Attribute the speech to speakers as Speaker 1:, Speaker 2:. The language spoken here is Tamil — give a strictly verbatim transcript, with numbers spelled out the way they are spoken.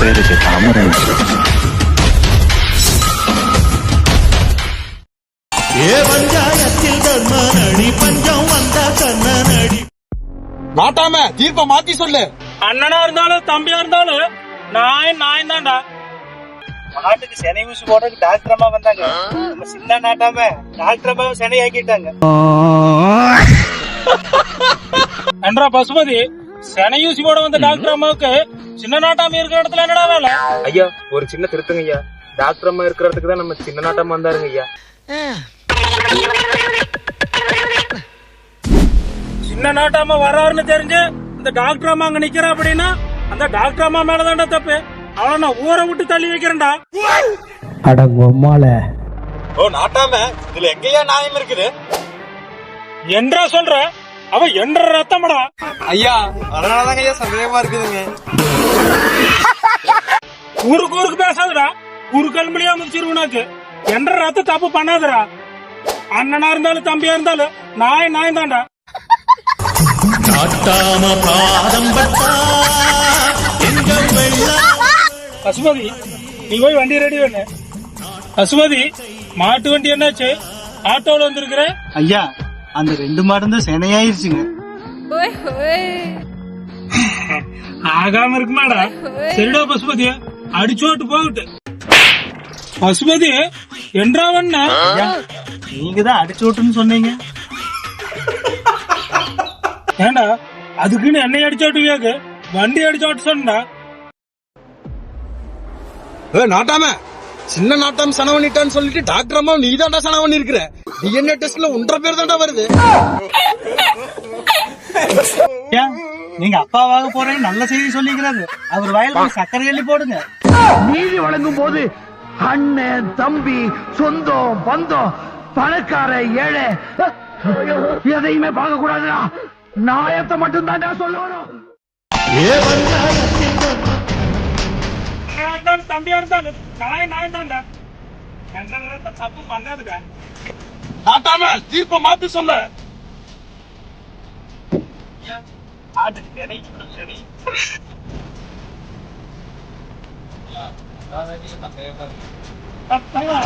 Speaker 1: பேருக்கு தாமரை.
Speaker 2: ஏ பஞ்சாயத்தில் தர்மநடி பஞ்சம் வந்த கண்ணனடி.
Speaker 3: நாட்டாம தீர்ப்ப மாத்தி சொல்லு.
Speaker 4: அண்ணனா இருந்தாலும் தம்பியா இருந்தாலும் நாய் நாய் தான்டா.
Speaker 5: மாட்டுக்கு செனை ஊசி போடுறதுக்கு டாக்டர் அம்மா வந்தாங்க. நம்ம சின்ன நாட்டாம டாக்டர் அம்மா செனை ஆக்கிட்டாங்க.
Speaker 4: என்றா பசுபதி, செனை ஊசி போட வந்த டாக்டர் அம்மாவுக்கு சின்ன நாட்டாம இருக்கிற இடத்துல என்னடா வேலை?
Speaker 6: ஐயா ஒரு சின்ன திருத்தங்க ஐயா. டாக்டர் அம்மா இருக்கிற இடத்துக்கு தான் நம்ம சின்ன நாட்டாம வந்தாருங்க ஐயா.
Speaker 4: சின்ன நாட்டாம வர்றாருன்னு தெரிஞ்சு இந்த டாக்டர் அம்மா அங்க நிக்கிறா அப்படின்னா அந்த டாக்டர் அம்மா மேலதான்டா தப்பு. அவளை நான் ஊரை விட்டு தள்ளி வைக்கிறேன்டா.
Speaker 7: அடங்கொம்மால
Speaker 3: ஓ நாட்டாம, இதுல எங்கயா நியாயம் இருக்குது?
Speaker 4: என்றா சொல்ற? அவ என்ற ரத்தமடா.
Speaker 3: ஐயா அதனாலதாங்க ஐயா சந்தேகமா இருக்குதுங்க.
Speaker 4: ஊருக்கு ஊருக்கு பேசாதடா. குறுக்கல் மொழியா முடிச்சிருவனாக்கு. என்ற ரத்த தப்பு பண்ணாதடா. அண்ணனா இருந்தாலும் தம்பியா இருந்தாலும் நாய் நாய் தான்டா.
Speaker 2: நாட்டாம பாதம் பட்டா எங்க வெள்ளா.
Speaker 4: பசுபதி, நீ போய் வண்டி ரெடி பண்ணு. பசுபதி, மாட்டு வண்டி என்னாச்சு? ஆட்டோல வந்திருக்கிற?
Speaker 5: ஐயா அந்த ரெண்டு மாடும் தான் செனையாயிருச்சுங்க.
Speaker 4: ஆகாம இருக்குமாடா? சரிடா பசுபதி, அடிச்சோட்டு போகட்டு. பசுபதி என்றாவண்ணா
Speaker 5: நீங்க தான் அடிச்சு விட்டுன்னு சொன்னீங்க.
Speaker 4: ஏண்டா அதுக்குன்னு என்னை அடிச்சோட்டு கேக்கு வண்டி அடிச்சோட்டு சொன்னா?
Speaker 3: நாட்டாம சின்ன நாட்டாம சன பண்ணிட்டான்னு சொல்லிட்டு டாக்டர் அம்மா நீ தான்டா சன பண்ணி இருக்கிற. டிஎன்ஏ டெஸ்ட்ல ஒன்றரை பேர் தான்டா வருது.
Speaker 5: நீங்க அப்பாவாக போறேன்னு நல்ல செய்தி சொல்லிக்கிறாரு. அவர் வயலுக்கு சர்க்கரை எள்ளி போடுங்க.
Speaker 7: நீதி வழங்கும் போது அண்ணன் தம்பி சொந்தம் பந்தம் பணக்கார ஏழை எதையுமே பார்க்க கூடாதுடா. நாயத்தை மட்டும் தான் சொல்லணும்.
Speaker 2: ஏ பஞ்சாயத்தில்
Speaker 4: தம்பியா இருந்தாலும் நாய் நாய் தான்டா. என்ற தப்பு பண்ணாதுடா.
Speaker 3: நாட்டாம தீர்ப்ப மாத்தி சொல்லு.